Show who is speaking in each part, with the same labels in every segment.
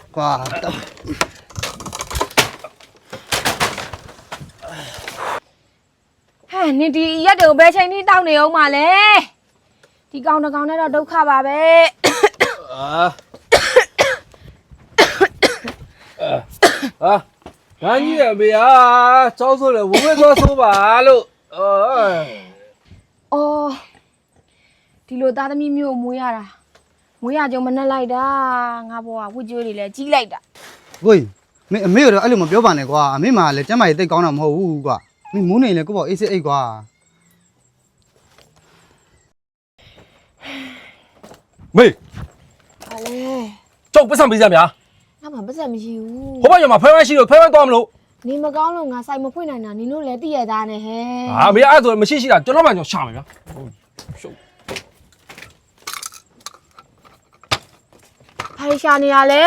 Speaker 1: 瓜。
Speaker 2: 嘿，你第一头白菜你到你有嘛嘞？ဒီကောင်တကောင်နဲ့တော့ဒုက္ခပါပဲ
Speaker 3: ငါကြီးရမေဟာကြောက်ဆိုလေဝဝဲသွားဆိုးပါလို့
Speaker 2: အော်ဒီလိုသားသမီးမျိုးမွေးရတာမွေးရကြုံမနဲ့လိုက်တာငါဘောကဝှကြွေးတွေလည်းကြီးလိုက်တာ
Speaker 1: ကိုကြီးအမေကတော့အဲ့လိုမပြောပါနဲ့ကွာအမေမှလည်းကျမ်းမာရေးတိတ်ကောင်းတာမဟုတ်ဘူးကွာမင်းမူးနေလေကိုပေါ့အေးစစ်အိတ်ကွာ
Speaker 3: မေး
Speaker 2: ဘာလဲ
Speaker 3: ကြောက်ပတ်စံပေးစမ်းဗျာ
Speaker 2: ငါမှပတ်စံမရှိဘူး
Speaker 3: ဟိုဘက်ရမှာဖဲဖဲရှိလို့ဖဲဖဲသွားမလို့
Speaker 2: နေမကောင်းလို့ငါဆိုင်မဖွင့်နိုင်တာနင်တို့လည်းသိရသားနဲ့ဟဲ့
Speaker 3: ဟာမေအဲ့ဆိုမရှိရှိတာကျွန်တော်မှကျွန်တော်ရှာမယ်ဗျာရှုပ်
Speaker 2: ဘာရှာနေရလဲ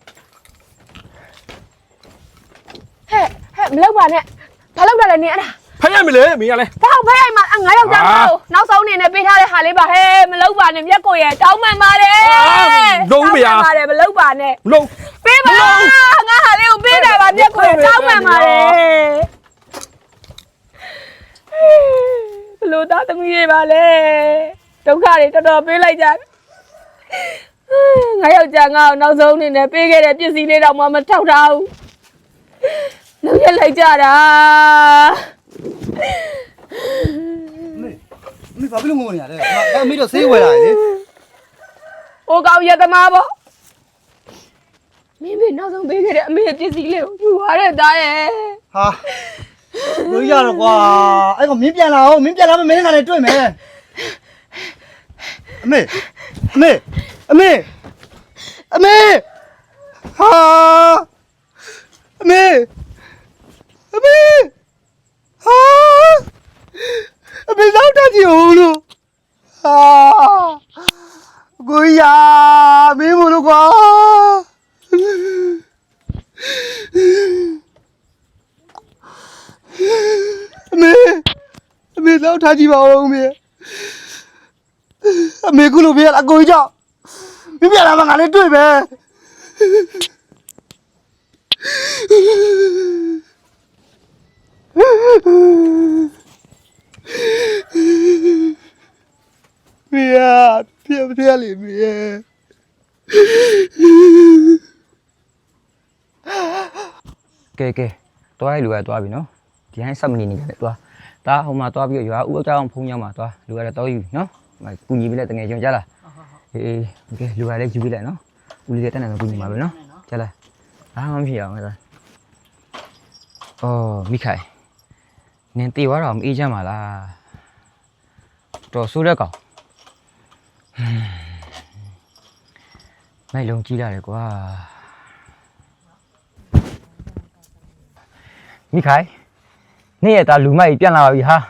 Speaker 2: ဟဲ့မလောက်ပါနဲ့ဘာလောက်တာလဲနင်အဲ့ဒါ
Speaker 3: ဖဲရမလဲမင်းကလည်း
Speaker 2: ဘာဖဲရိုက်မှာငါယောက်ျားနောက်ဆုံးနေနဲ့ပေးထားတဲ့ဟာလေးပါဟဲ့မလောက်ပါနဲ့မျက်ကိုရတောင်းမှန်ပါတယ်
Speaker 3: လုံးမရ
Speaker 2: ပါတယ်မလောက်ပါနဲ့
Speaker 3: လုံး
Speaker 2: ပေးပါငါဟာလေးကိုပေးတယ်ပါမျက်ကိုရတောင်းမှန်ပါတယ်ဘလို့သားသမီးတွေပါလဲဒုက္ခတွေတော်တော်ပေးလိုက်ကြငါယောက်ျားငါ့ကိုနောက်ဆုံးနေနဲ့ပေးခဲ့တဲ့ပစ္စည်းလေးတော့မှမထောက်ထားဘူးလုံးရက်လိုက်ကြတာ
Speaker 1: မင်းဘာဖြစ်လို့ငိုနေရလဲအမေတော့ဆေးဝယ်လာလေ
Speaker 2: ဟိုကောင်ရသမားပေါ့မင်းနောက်ဆုံးပေးခဲ့တဲ့အမေပစ္စည်းလေးကိုယူသွားတဲ့သားရဲ့
Speaker 1: ဟာလို့ရတော့ကွာအဲ့ကောင်မင်းပြန်လာအောင်မင်းပြန်လာမင်းကလည်းတွေ့မယ်အမေဟာအမေဟာအမေတော့တကြည့်ဦးလို့ဟာကိုရမင်းမလို့ကွာအမေတော့ထားကြည့်ပါဦးအမေကုလို့ပြရအကိုကြောင့်မင်းပြလာမှငါလည်းတွေ့မယ်မင်းပြလေမင်း
Speaker 4: ကဲတွားရလူရတွားပြီနော်ဒီဟိုင်းဆက်မနေနေကြတယ်တွားဒါဟိုမှာတွားပြီးရွာဥအကြောင်းဖုံးရောက်မှာတွားလူရတော့ယူနော်ကူညီပြီးလက်တငယ်ကျွန်းကြလားအေးโอเคလူရလည်းယူပြီးလိုက်နော်ဦးလေးတက်နေမှာကူညီမှာပဲနော်ကြလားဘာမှမဖြစ်အောင်လားအော်မိခိုင်နင်တေသွားတော့မအေးချမ်းပါလားတော်ဆိုးတဲ့ကောင်မိုက်လုံးကြီးလာတယ်ကွာမိခိုင်နေ့ရက်သားလူမိုက်ပြန်လာပါပြီဟာ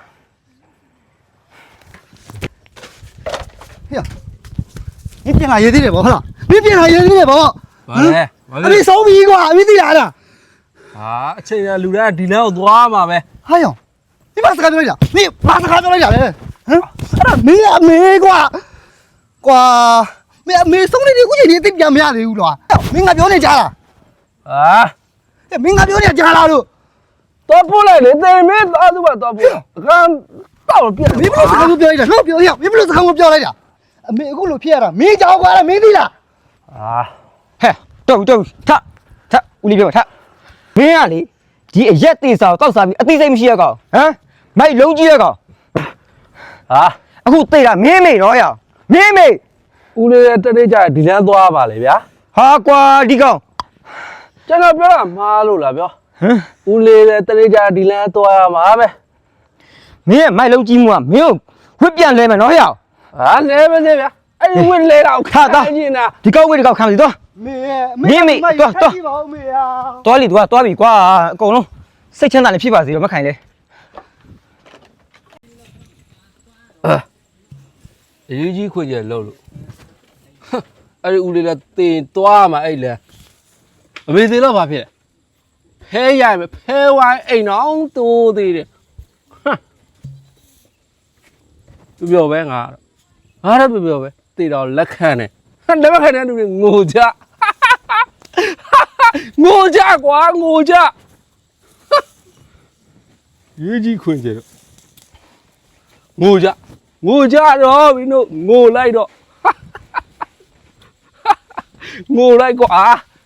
Speaker 1: ဟေ့你变哪爷的了，好了，你变哪爷的了，
Speaker 3: ဘာလဲ
Speaker 1: အမေဆုံးပြီကွာအမေသိလားအဲ့ဒါ
Speaker 3: ဟာအချိန်ကလူတိုင်းဒီလမ်းကိုသွားမှာပဲ
Speaker 1: ဟာယောဒီမှာစကားပြောလိုက်တာမင်းဘာစကားပြောလိုက်တာလဲဟမ်အဲ့ဒါမင်းအမေကွာမင်းအမေဆုံးနေဒီခုချိန်ဒီအသိပြန်မရသေးဘူးလားမင်းငါပြောနေကြလား
Speaker 3: ဟာ
Speaker 1: မင်းငါပြောနေကြလားလို့
Speaker 3: တော့ပို့လိုက်လေတေမင်းသားသူကတော့ပို့အခန်းတော့ပြ
Speaker 1: မင်းဘလို့စကားပြောလိုက်တာတော့ပြောရမင်းဘလို့စကားပြောလိုက်တာအမေအခုလိုဖြစ်ရတာမင်းကြောက်ကွာမင်းသိလား
Speaker 4: ဟဲ့တုတ်ထဦးလေးပြောထမင်းကလေဒီအရက်သေးစာကိုတောက်စားပြီးအသိစိတ်မရှိရကောင်ဟမ်မိုက်လုံးကြီးရကောင်ဟာအခုသိတာမင်းမေတော့ရအောင်မင်းမေ
Speaker 3: ဦးလေးတတိကြဒီလမ်းသွားပါလေဗျာ
Speaker 4: ဟာကွာဒီကောင်
Speaker 3: ကျွန်တော်ပြောတာမှားလို့လားပြောဦးလေးတတိကြဒီလမ်းသွားရမှာပဲ
Speaker 4: မင်းရဲ့မိုက်လုံးကြီးမှုကမင်းကိုဝှက်ပြန်လဲမယ်နော်ဟဲ့အောင်
Speaker 3: ဟာလဲမစေဗျာအဲ့ဒီဝှက်လဲတော့ခါတာနေတာ
Speaker 4: ဒီကောက်ဝှက်ဒီကောက်ခံစီတော့
Speaker 1: မင်း
Speaker 4: တော့တော်လီသူကတွားပြီကွာအကုန်လုံးစိတ်ချမ်းသာနေဖြစ်ပါစေတော့မခိုင်လေ
Speaker 3: အရေးကြီးခွင့်ရလို့အဲ့ဒီဦးလေးလည်းတင်သွားမှာအဲ့လေအမေသေးတော့ဘာဖြစ်လဲဖဲရမယ်ဖဲဝိုင်းအိမ်အောင်တိုးသေးတယ်ပြောပဲငါတော့ပြောပဲတေတော့လက်ခံတယ်လက်မခံတဲ့လူတွေငိုကြငိုကြကွာငိုကြရေးကြီးခွင်ကျတော့ငိုကြတော့မင်းတို့ငိုလိုက်တော့ငိုလိုက်ကွာ